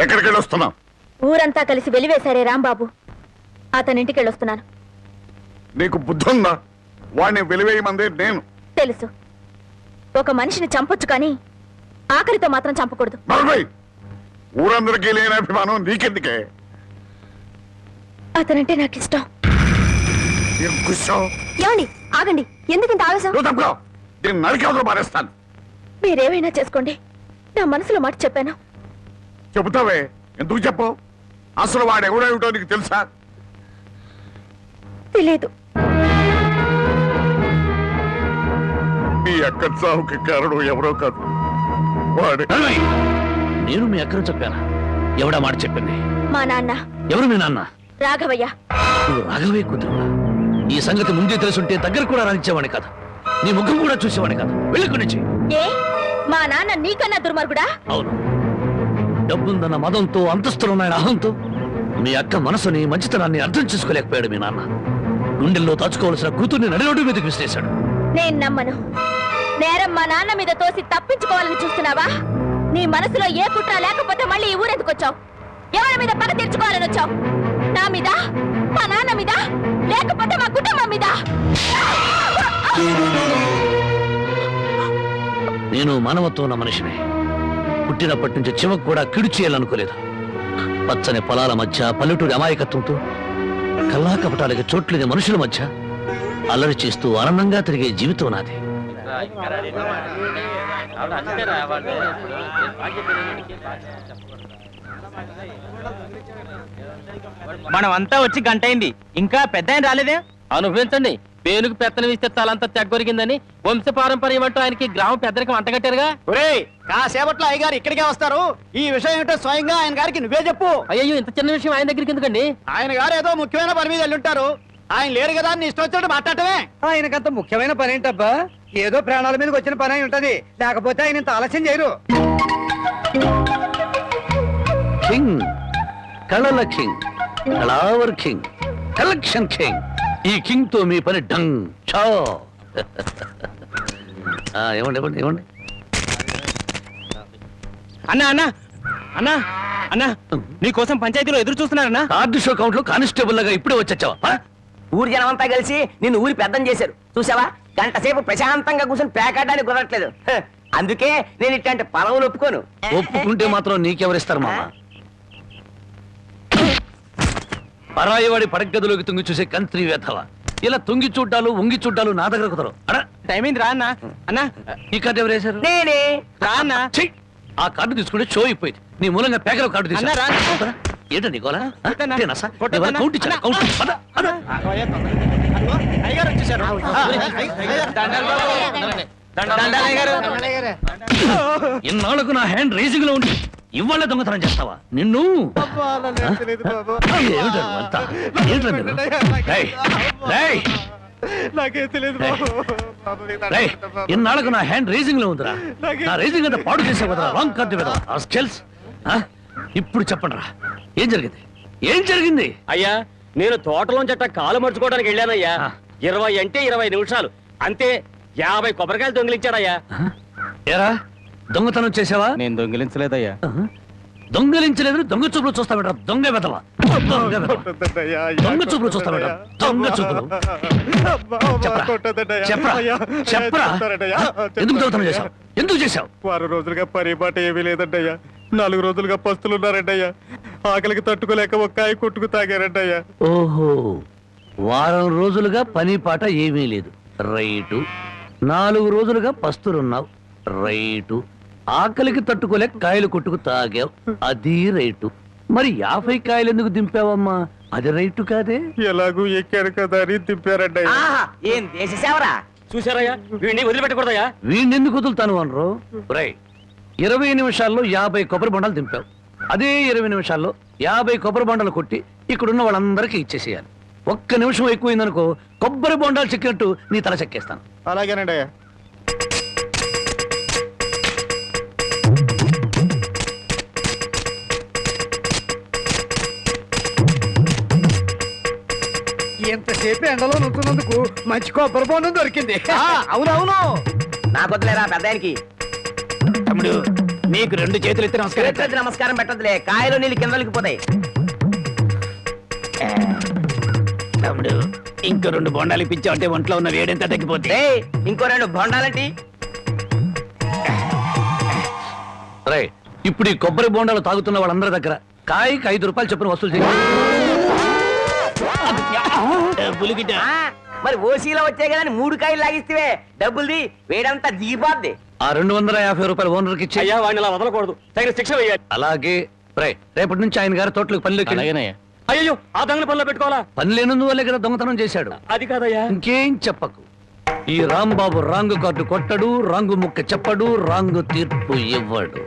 ఎక్కడికి వెళ్ళొస్తున్నావు? ఊరంతా కలిసి వెలివేశారే రాంబాబు, అతనింటికి వెళ్ళొస్తున్నాను. నీకు బుద్ధి ఉందా? వాడిని వెలివేయమంది నేను. తెలుసు, ఒక మనిషిని చంపొచ్చు కానీ ఆఖరితో మాత్రం చంపకూడదు. ఊరందరికీ లేని అభిమానం నీకెందుకే? అతనంటే నాకు ఇష్టం. ఏమండి ఆగండి, ఎందుకు ఇంత ఆవేశం? నరికేవతలు మారేస్తాను. మీరేమైనా చేసుకోండి, నా మనసులో మాట చెప్పాను. చెబుతావే, ఎందుకు చెప్పు? అసలు వాడు ఎవడేమిటో నీకు తెలుసా? తెలీదు. మీ అక్క చావుకి కారణం ఎవరో కాదు, వాడే. నేను మీ అక్కను చెప్పానా? ఎవడా మాట చెప్పింది? మా నాన్న. ఎవరు మీ నాన్న? రాఘవయ్య. నువ్వు రాఘవయ్య కూతురువా? ఈ సంగతి ముందే తెలుసుంటే దగ్గర కూడా రానిచ్చేవాడి కాదు, నీ ముఖం కూడా చూసేవాడి కాదు. వెళ్ళి నుంచి. ఏ మా నాన్న నీకన్నా దుర్మార్గుడా? అవును, డబ్బుందన్న మదంతో, అంతస్తులున్నాయన అహంతో మీ అక్క మనసుని, మంచితనాన్ని అర్థం చేసుకోలేకపోయాడు మీ నాన్న. గుండెల్లో దాచుకోవాల్సిన కూతుర్ని నడిరోడ్డు మీదకి విసిరేశాడు. నేను నమ్మను. నేరం మా నాన్న మీద తోసి తప్పించుకోవాలని చూస్తున్నావా? నీ మనసులో ఏ కుట్ర లేకపోతే మళ్ళీ ఈ ఊరెందుకు వచ్చావు? ఎవరి మీద పగ తీర్చుకోవాలని వచ్చావు? నా మీద, మా నాన్న మీద, లేకపోతే మా కుటుంబం మీద? నేను మానవత్వం ఉన్న మనిషిని. పుట్టినప్పటి నుంచి చివకు కూడా కిడు చేయాలనుకోలేదు. పచ్చని పొలాల మధ్య, పల్లెటూరి అమాయకత్వంతో, కల్లా కపటాలకి చోట్లేని మనుషుల మధ్య అల్లరి చేస్తూ ఆనందంగా తిరిగే జీవితం నాది. మనమంతా వచ్చి గంటైంది, ఇంకా పెద్ద ఆయన రాలేదే. అనుభవించండి. పేనుకు పెత్తనం ఇస్తే తలంతా తెగ్గొరిగిందని వంశ పారంపర్యం అంటూ ఆయనకి గ్రామ పెద్దరికి వంటగట్టారుగా. ఒరేయ్, కాసేపట్లో అయ్యగారు ఇక్కడికే వస్తారు. ఈ విషయం ఏంటో స్వయంగా ఆయన గారికి నువ్వే చెప్పు. అయ్యో, ఇంత చిన్న విషయం ఆయన దగ్గరికి ఎందుకండి? ఆయన గారు ఏదో ముఖ్యమైన పని మీద వెళ్ళుంటారు. ఆయన లేరు కదా అని ఇష్టం వచ్చినట్టు మాట్లాడటమే. ఆయనకంత ముఖ్యమైన పని ఏంటబ్బా? ఏదో ప్రాణాల మీదకి వచ్చిన పని అయి ఉంటది, లేకపోతే ఆయన ఇంత ఆలస్యం చేయరు. కింగ్, కళల కింగ్, కళావర్ కింగ్, కలెక్షన్ కింగ్. ఈ కింగ్ తో మీ పని డంగ్ చో. ఏమండి ఏమండి ఏమండి అన్నా అన్నా అన్నా అన్నా, నీకోసం పంచాయతీలో ఎదురు చూస్తున్నారన్నా. కార్డు షో కౌంట్ లో కానిస్టేబుల్ లాగా ఇప్పుడే వచ్చావా? ఊరి జనమంతా కలిసి నిన్ను ఊరి పెద్దం చేశారు చూసావా? గంట సేపు ప్రశాంతంగా కూర్చొని పేకాడడానికి కుదరట్లేదు. అందుకే నేను ఇట్లాంటి పొలవులు ఒప్పుకోను. ఒప్పుకుంటే మాత్రం నీకెవరిస్తారు మామ? పరాయివాడి పడగదిలోకి తుంగి చూసే కంత్రి వేధవ. ఇలా తుంగి చూడ్డాలు, ఉంగి చూడ్డాలు నా దగ్గర కుదరవు. టైం అయింది రా అన్నా. అన్నా, ఈ కార్డు ఎవరు వేశారు? నేనే. రా అన్నా. ఆ కార్డు తీసుకుంటే షో అయిపోయింది. నీ మూలంగా పేకల కార్డు తీసుకున్నా. ఏంటండి గోలా? కౌంట్ ఇచ్చాను. అయ్యగారు వచ్చేసారు. ఇన్నాళ్లకు నా హ్యాండ్ రేసింగ్ లో ఉండి ఇవాళ దొంగతనం చేస్తావా? నిన్ను ఇన్నాళ్లకు నా హ్యాండ్ రేసింగ్ లో ఉందిరా. నా రేసింగ్ అంతా పాడు చేసే కదా రాంగ్ కార్డు కదా. ఇప్పుడు చెప్పండి రా, ఏం జరిగింది? ఏం జరిగింది? అయ్యా, నేను తోటలోంచట కాలు మర్చుకోవడానికి వెళ్ళానయ్యా. 20 అంటే 20 నిమిషాలు అంతే. 50 కొబ్బరికాయలు దొంగిలించాడయ్యా. ఏరా, దొంగతనం చేసావా? నేను దొంగిలించలేదయ్యా. దొంగలించలేదు, దొంగ చూపులు చూస్తా బెట. దొంగ వెదవా, దొంగ చూపులు చూస్తా బెట. దొంగ చూపులు. చెప్పరా చెప్పరా, ఎందుకు దొంగతనం చేశావు? ఎందుకు చేశావు? 6 రోజులుగా పరిపాట ఏమీ లేదంటయ్యా. 4 రోజులుగా పస్తులున్నారంటయ్యా. ఆకలికి తట్టుకోలేక ఒక్కాయి కొట్టుకు తాగారంటయ్యా. ఓహో, వారం రోజులుగా పని పాట ఏమీ లేదు. రైటు. 4 రోజులుగా పస్తులున్నావు. రైటు. ఆకలికి తట్టుకోలేక కాయలు కొట్టుకు తాగావు. అది రైటు. మరి 50 కాయలు ఎందుకు దింపావమ్మా? అది రైటు కాదే. ఎలాగూ ఎక్కారు కదా అని దింపారంటయ్యా. ఏం దేశ సేవరా? చూసారయ్యా, వీడిని వదిలిపెట్టకూడదయ్యా. వీడిని ఎందుకు వదులుతాను అనరు? రై, 20 నిమిషాల్లో 50 కొబ్బరి బొండాలు దింపావు. అదే 20 నిమిషాల్లో 50 కొబ్బరి బొండాలు కొట్టి ఇక్కడున్న వాళ్ళందరికీ ఇచ్చేసేయాలి. ఒక్క నిమిషం ఎక్కువైందనుకో, కొబ్బరి బొండాలు చెక్కినట్టు నీ తల చెక్కేస్తాను. అలాగేనండి అయ్యా. ఎంతసేపు ఎండలో నుంచున్నందుకు మంచి కొబ్బరి బొండం దొరికింది. అవునవును, నాకొద్దులేరా పెద్దానికి. తమ్ముడు, నీకు 2 చేతులు ఎత్తి చేతులెత్తి నమస్కారం పెట్టదులే, కాయలు నీళ్ళు కిందలకి పోతాయి. తమ్ముడు ఇంకో 2 బొండాలు ఇప్పించావు అంటే ఒంట్లో ఉన్న వేడెంత తగ్గిపోతే. ఏయ్, ఇంకో 2 బొండాలంటి. ఇప్పుడు ఈ కొబ్బరి బొండాలు తాగుతున్న వాళ్ళందరి దగ్గర కాయకి 5 రూపాయలు చొప్పున వసూలు చేయాలి. ఆ, మరి ఓసీలో వచ్చాయి కదా 3 కాయలు లాగిస్తే డబ్బుల్ది వేడంతా దిగిపోద్ది. ఆ 250 రూపాయలు ఓనర్కి ఇచ్చి. అయ్యా వాడిని అలా వదలకూడదు, తగిన శిక్ష వేయాలి. అలాగే రేపటి నుంచి ఆయన గారి తోటలకు పనిలోకి. అయ్యో ఆ దొంగల పనిలో పెట్టుకోవాలా? పని లేనందువల్లే కదా దొంగతనం చేశాడు. అది కాదయ్యా. ఇంకేం చెప్పకు. ఈ రాంబాబు రాంగు కార్డు కొట్టడు, రాంగు ముక్క చెప్పడు, రాంగు తీర్పు ఇవ్వడు.